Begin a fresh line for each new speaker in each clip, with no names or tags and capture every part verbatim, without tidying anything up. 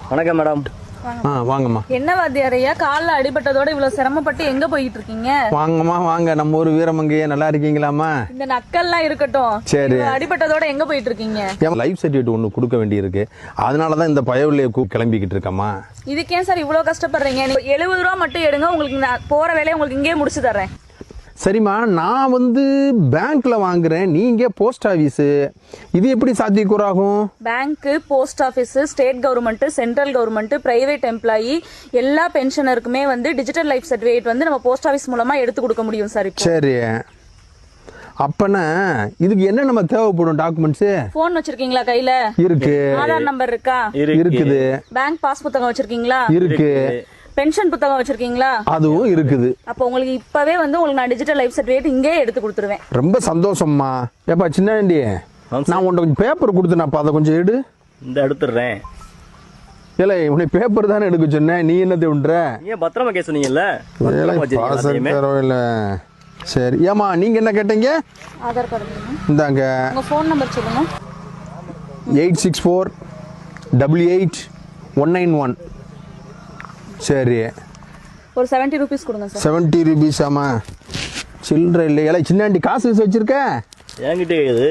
வணக்கம் மேடம்.
ஆ வாங்கம்மா.
என்ன வாத்தியாரையா காலில் அடிபட்டதோட இவ்வளவு சிரமப்பட்டு எங்க போயிட்டு இருக்கீங்க?
வாங்கம்மா வாங்க, நம்ம ஊர் வீரமங்கையே. நல்லா இருக்கீங்களாம்மா?
இந்த நக்கல்லாம் இருக்கட்டும்,
சரி.
அடிபட்டதோட எங்க போயிட்டு இருக்கீங்க?
லைஃப் சர்டிஃபிகேட் ஒன்று கொடுக்க வேண்டியிருக்கு, அதனாலதான் இந்த பயவில்லையை கிளம்பிக்கிட்டு இருக்கம்மா.
இதுக்கு ஏன் சார் இவ்வளவு கஷ்டப்படுறீங்க? நீங்க எழுபது ரூபா மட்டும் எடுங்க, உங்களுக்கு நான் போற வேலையை உங்களுக்கு இங்கே முடிச்சு தர்றேன்.
சரிம்மா, நான் வந்து பேங்க்ல வாங்குறேன், நீங்க போஸ்ட் ஆபீஸ், இது எப்படி சாத்தியக்கூறாகும்?
Bank, post office, state government, central government, private employee எல்லா பென்ஷனருக்குமே வந்து டிஜிட்டல் லைஃப் சர்டிஃபிகேட் வந்து நம்ம போஸ்ட் ஆபீஸ் மூலமா எடுத்து கொடுக்க முடியும் சார்.
சரி, அப்பனா இதுக்கு என்ன நம்ம தேவைப்படும் டாக்குமெண்ட்ஸ்?
போன் வச்சிருக்கீங்களா கையில?
இருக்கு.
ஆதார் நம்பர் இருக்கா?
இருக்குது.
பேங்க் பாஸ் புத்தகம் வச்சிருக்கீங்களா?
இருக்கு.
பென்ஷன் புத்தகம் வச்சிருக்கீங்களா?
அதுவும் இருக்குது.
அப்போ உங்களுக்கு இப்பவே வந்து உங்களுக்கு நான் டிஜிட்டல் லைஃப் சர்டிஃபிகேட் இங்கே எடுத்து கொடுத்துருவேன்.
ரொம்ப சந்தோஷம்மா. ஏப்பா சின்னாண்டி, நான் உன்ட்ட கொஞ்சம் பேப்பர் கொடுத்தேனப்பா, அதை கொஞ்சம் எடு.
இந்த எடுத்துடுறேன்.
இல்லை, உன்னை பேப்பர் தானே எடுக்க சொன்னேன், நீ என்னத்தை விடுற?
ஏன் பத்திரமா கேஸ் சொன்னீங்கல்ல?
இல்லை. சரி, ஏமா நீங்க என்ன கேட்டீங்க?
ஆதார் கார்டு
இந்தாங்க.
உங்க ஃபோன் நம்பர் சொல்லுங்க.
Eight six four double eight one nine one. சரி,
ஒரு செவன்ட்டி ருபீஸ் கொடுங்க சார்.
செவன்ட்டி ருபீஸ் ஆமா, சில்லற இல்லை. இல்லை சின்னாண்டி காசு வச்சு வச்சிருக்க?
என்கிட்ட இது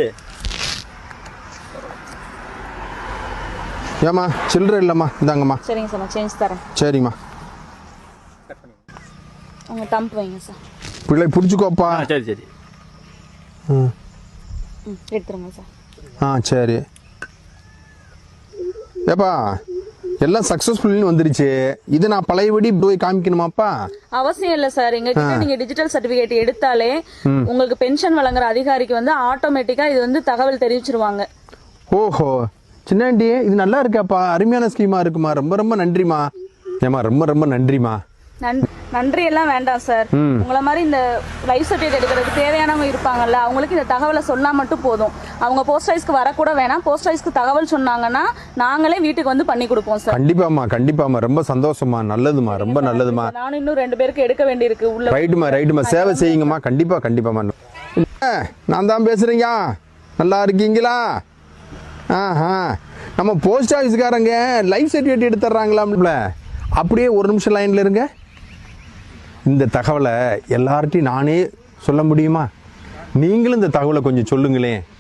ஏமா சில்லற இல்லைம்மா, இந்தாங்கம்மா.
சரிங்க சார், நான் சேஞ்ச் தரேன்.
சரிம்மா,
உங்க டம்ப் வைங்க சார்.
பிள்ளை பிடிச்சிக்கோப்பா.
சரி சரி.
ம்
எடுத்துருங்க சார்.
ஆ சரி. ஏப்பா எல்லாம் சக்சஸ்ஃபுல்னு வந்துருச்சு, இது நான் பழையபடி போய் காமிக்கணுமாப்பா?
அவசியம் இல்ல சார், எங்க கிட்ட நீங்க டிஜிட்டல் சர்டிபிகேட் எடுத்தாலே உங்களுக்கு பென்ஷன் வழங்குற அதிகாரிக்கு வந்து ஆட்டோமேட்டிக்கா இது வந்து தகவல் தெரிவிச்சிருவாங்க.
ஓஹோ, சின்னாண்டி இது நல்லா இருக்காப்பா, அருமையான ஸ்கீமா இருக்குமா, ரொம்ப ரொம்ப நன்றிமா. ஏமா ரொம்ப ரொம்ப நன்றிமா.
நன்றி எல்லாம் வேண்டாம் சார், உங்களை மாதிரி இந்த லைஃப் சர்டிஃபிகேட் எடுக்கிறதுக்கு தேவையானவங்க இருப்பாங்கல்ல, அவங்களுக்கு இந்த தகவலை சொன்னா மட்டும் போதும். அவங்க போஸ்ட் ஆஃபீஸ்க்கு வரக்கூட வேணாம், போஸ்ட் ஆஃபீஸ்க்கு தகவல் சொன்னாங்கன்னா நாங்களே வீட்டுக்கு வந்து பண்ணி கொடுப்போம் சார்.
கண்டிப்பாமா கண்டிப்பாமா, ரொம்ப சந்தோஷமா, நல்லதுமா, ரொம்ப நல்லதுமா.
நானும் இன்னும் ரெண்டு பேருக்கு எடுக்க வேண்டியிருக்கு உள்ள.
ரைட்டுமா ரைட்டுமா, சேவை செய்யுங்கம்மா. கண்டிப்பா கண்டிப்பாமா. நான் தான் பேசுறீங்க, நல்லா இருக்கீங்களா? ஆஹா, நம்ம போஸ்ட் ஆஃபீஸ்காரங்க லைஃப் சர்டிஃபிகேட் எடுத்துறாங்களாம்ல, அப்படியே ஒரு நிமிஷம் லைன்ல இருங்க. இந்த தகவலை எல்லார்ட்டையும் நானே சொல்ல முடியுமா? நீங்களும் இந்த தகவலை கொஞ்சம் சொல்லுங்களேன்.